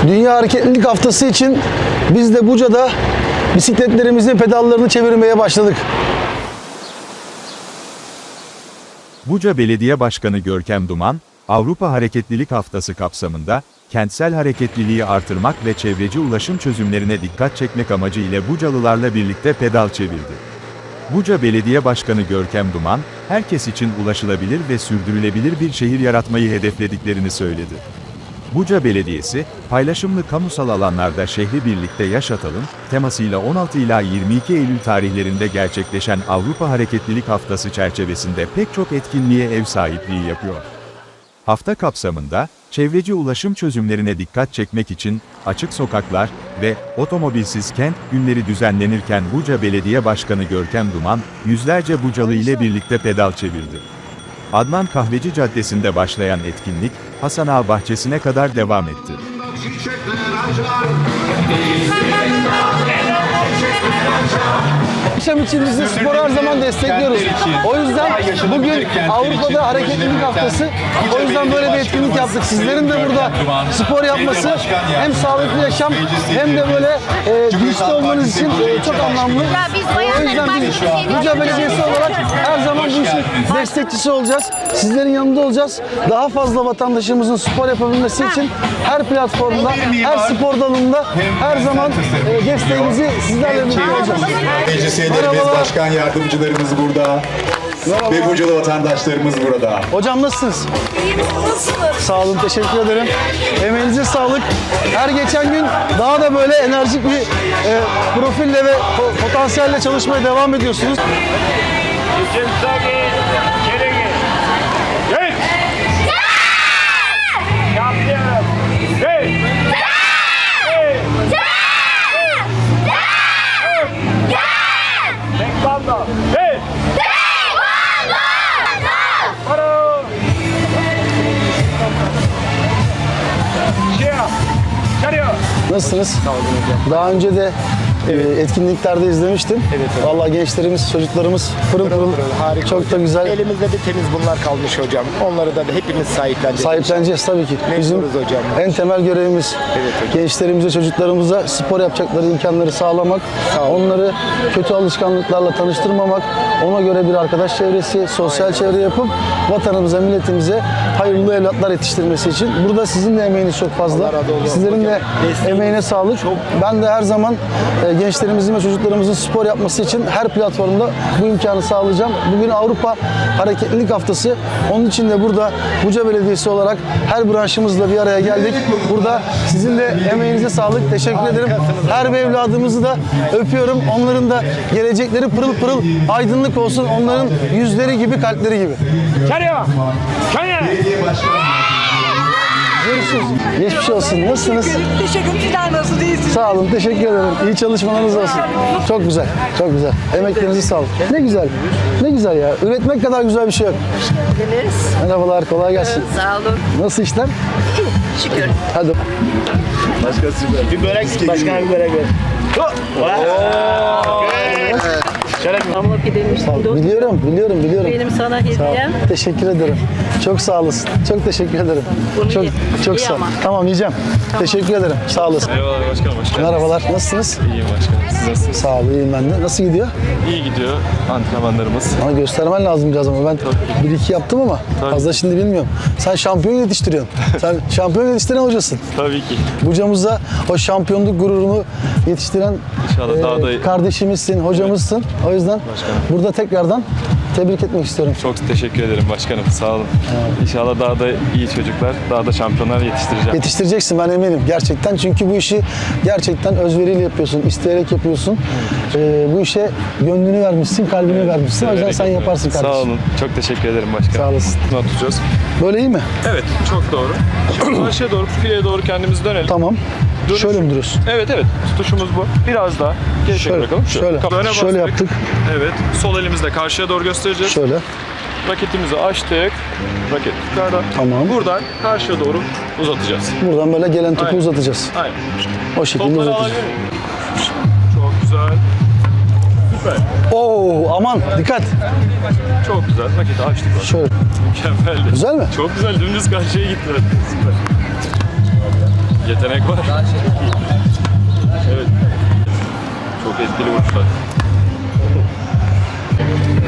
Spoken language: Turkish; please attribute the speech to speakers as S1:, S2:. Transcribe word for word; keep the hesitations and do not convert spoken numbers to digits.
S1: Dünya Hareketlilik Haftası için biz de Buca'da bisikletlerimizin pedallarını çevirmeye başladık.
S2: Buca Belediye Başkanı Görkem Duman, Avrupa Hareketlilik Haftası kapsamında, kentsel hareketliliği artırmak ve çevreci ulaşım çözümlerine dikkat çekmek amacı ile Bucalılarla birlikte pedal çevirdi. Buca Belediye Başkanı Görkem Duman, herkes için ulaşılabilir ve sürdürülebilir bir şehir yaratmayı hedeflediklerini söyledi. Buca Belediyesi, paylaşımlı kamusal alanlarda şehri birlikte yaşatalım temasıyla on altı ila yirmi iki Eylül tarihlerinde gerçekleşen Avrupa Hareketlilik Haftası çerçevesinde pek çok etkinliğe ev sahipliği yapıyor. Hafta kapsamında, çevreci ulaşım çözümlerine dikkat çekmek için açık sokaklar ve otomobilsiz kent günleri düzenlenirken Buca Belediye Başkanı Görkem Duman, yüzlerce Bucalı ile birlikte pedal çevirdi. Adnan Kahveci Caddesi'nde başlayan etkinlik, Hasan Ağa Bahçesi'ne kadar devam etti.
S1: Akşam için biz de sporu her zaman destekliyoruz. O yüzden bugün Avrupa'da Hareketlilik Haftası. O yüzden böyle bir etkinlik yaptık. Sizlerin de burada spor yapması hem sağlıklı yaşam hem de böyle e, güçlü olmanız için e, çok anlamlı. O yüzden biz Buca Belediyesi olarak her zaman bu işin destekçisi olacağız. Sizlerin yanında olacağız. Daha fazla vatandaşımızın spor yapabilmesi için her platformda, her spor dalında her zaman e, desteğimizi sizlerle birlikte olacağız.
S3: Meclislerimiz, başkan yardımcılarımız burada.
S1: Merhaba.
S3: Ve Bucalı vatandaşlarımız burada.
S1: Hocam nasılsınız? Sağ olun, teşekkür ederim. Emeğinize sağlık. Her geçen gün daha da böyle enerjik bir e, profille ve po- potansiyelle çalışmaya devam ediyorsunuz. Nasılsınız? Sağ olun hocam. Daha önce de evet. e, etkinliklerde izlemiştim. Evet, evet. Vallahi gençlerimiz, çocuklarımız pırıl pırıl, harika. Çok hocam. Da güzel.
S4: Elimizde bir temiz bunlar kalmış hocam. Onları da hepimiz sahipleneceğiz.
S1: Sahipleneceğiz tabii ki. Bizim
S4: hocam.
S1: en temel görevimiz
S4: evet,
S1: gençlerimize, çocuklarımıza spor yapacakları imkanları sağlamak, onları kötü alışkanlıklarla tanıştırmamak, ona göre bir arkadaş çevresi, sosyal Aynen. çevre yapıp vatanımıza, milletimize hayırlı evlatlar yetiştirmesi için. Burada sizin de emeğiniz çok fazla. Sizlerin de emeğine sağlık. Ben de her zaman e, gençlerimizin ve çocuklarımızın spor yapması için her platformda bu imkanı sağlayacağım. Bugün Avrupa Hareketlilik Haftası. Onun için de burada Buca Belediyesi olarak her branşımızla bir araya geldik. Burada sizin de emeğinize sağlık. Teşekkür ederim. Her bir evladımızı da öpüyorum. Onların da gelecekleri pırıl pırıl aydınlık olsun. Onların yüzleri gibi, kalpleri gibi.
S5: Çarıyor! Çarıyor!
S1: Görüşürüz. Geçmiş olsun. Nasılsınız?
S6: Teşekkür ederim. Nasıl değilsiniz?
S1: Sağ olun. Teşekkür ederim. İyi çalışmalarınız olsun. Çok güzel. Çok güzel. Emeklerinizi sağ olun. Ne güzel. Ne güzel ya. Üretmek kadar güzel bir şey yok.
S6: Geldiniz.
S1: Merhabalar. Kolay gelsin.
S6: Sağ olun.
S1: Nasıl işler?
S6: Şükür.
S1: Hadi.
S4: Bir börek, başkan bir börek ver.
S6: Hamur pidemmiştim. Dur.
S1: Biliyorum, biliyorum, biliyorum.
S6: Benim sana
S1: Sağ ol.
S6: hediyem.
S1: Teşekkür ederim. Çok sağ olasın. Çok teşekkür ederim.
S6: Bunu
S1: çok
S6: ye.
S1: çok
S6: Ye
S1: sağ ol.
S6: ama.
S1: Tamam yiyeceğim. Teşekkür ederim. Sağ olasın.
S5: Eyvallah başkanım, hoş geldiniz.
S1: Merhabalar. Nasılsınız?
S5: İyiyim başkanım, siz nasılsınız?
S1: Sağ ol, iyiyim ben de. Nasıl gidiyor?
S5: İyi gidiyor antrenmanlarımız.
S1: Ama göstermen lazım biraz ama ben bir iki yaptım ama
S5: Tabii.
S1: fazla şimdi bilmiyorum. Sen şampiyon yetiştiriyorsun. Sen şampiyon yetiştiren hocasın.
S5: Tabii ki.
S1: Bucamıza o şampiyonluk gururunu yetiştiren
S5: İnşallah
S1: e,
S5: daha da-
S1: kardeşimizsin, hocamızsın. O yüzden
S5: Başkanım.
S1: burada tekrardan tebrik etmek istiyorum.
S5: Çok teşekkür ederim başkanım, sağ olun. İnşallah daha da iyi çocuklar, daha da şampiyonlar yetiştireceğim.
S1: Yetiştireceksin, ben eminim gerçekten. Çünkü bu işi gerçekten özveriyle yapıyorsun, isteyerek yapıyorsun. Ee, bu işe gönlünü vermişsin, kalbini vermişsin. O yüzden
S5: Severek
S1: sen
S5: yapıyorum.
S1: yaparsın kardeşim.
S5: Sağ olun, çok teşekkür ederim başkanım.
S1: Sağ olasın.
S5: Bunu tutacağız.
S1: Böyle iyi mi?
S5: Evet, çok doğru. Şimdi karşıya doğru, fileye doğru kendimizi dönelim.
S1: Tamam.
S5: Dönüş-
S1: Şöyle mi duruyorsun?
S5: Evet evet, tutuşumuz bu. Biraz daha geri
S1: Şöyle,
S5: bırakalım.
S1: şöyle.
S5: Öne
S1: Şöyle
S5: bastık.
S1: yaptık.
S5: Evet, sol elimizle karşıya doğru göstereceğiz.
S1: Şöyle.
S5: Raketimizi açtık. Raket yukarıda.
S1: Tamam.
S5: Buradan karşıya doğru uzatacağız.
S1: Buradan böyle gelen topu
S5: Aynen.
S1: uzatacağız.
S5: Aynen.
S1: O şekilde
S5: Topları
S1: uzatacağız.
S5: alabilir miyim? Çok güzel. Süper.
S1: Oo, aman dikkat.
S5: Çok güzel. Raketi açtık. bak.
S1: Şöyle.
S5: Mükemmeldi.
S1: Güzel mi?
S5: Çok güzel. Dümdüz karşıya gitti. Süper. Yetenek var. Evet. Çok etkili vuruşlar.